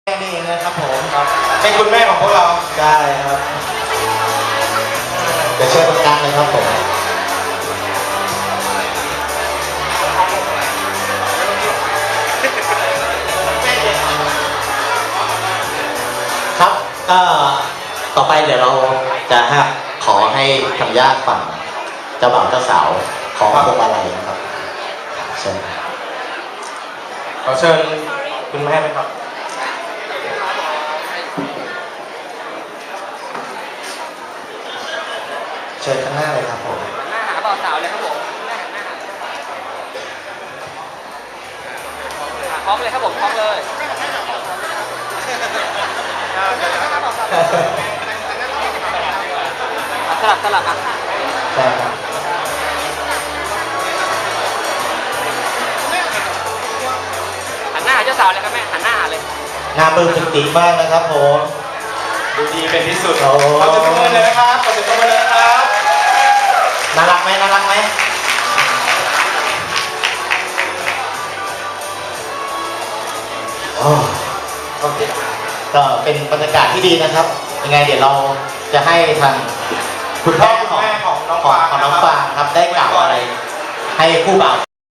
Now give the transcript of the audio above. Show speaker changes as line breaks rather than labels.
แม่นี่เองนะครับผม
ครับเป็นคุณแม่ของพวกเรา
ได้ครับเดี๋ยวเชิญตรงกลางเลยครับผมครับก็ต่อไปเดี๋ยวเราจะขอให้ทางญาติฝั่งเจ้าบ่าวเจ้าสาวขอพวงมาลัยนะครับเชิญ
ขอเชิญคุณแม่ไหมครับ
เชิญข้างหน้าเลยครับผม
หน้าหาบ่าวสาวเลยครับผมคล้องเลยครับผมคล้องเลยสลับอ่ะ
ใช่ครับ
หันหน้าหาเจ้าสาวเลยครับแม่หันหน้าหาเลย
หน้าปลื้มปิติมากนะครับผม
ดูดีเป็นที่สุด
โอ้
ขอเชิญตัวเลยนะครับขอเชิญตัวเลยนะครับ
น่ารักไหมน่ารักไหมโอ้โอเคก็เป็นบรรยากาศที่ดีนะครับ ยังไงเดี๋ยวเราจะให้ทางคุณพ่อของ
แม่ของน้อง
ของ
ฟาง
น้องฟางครับได้กล่าวอะไร ให้ผู้บ่าว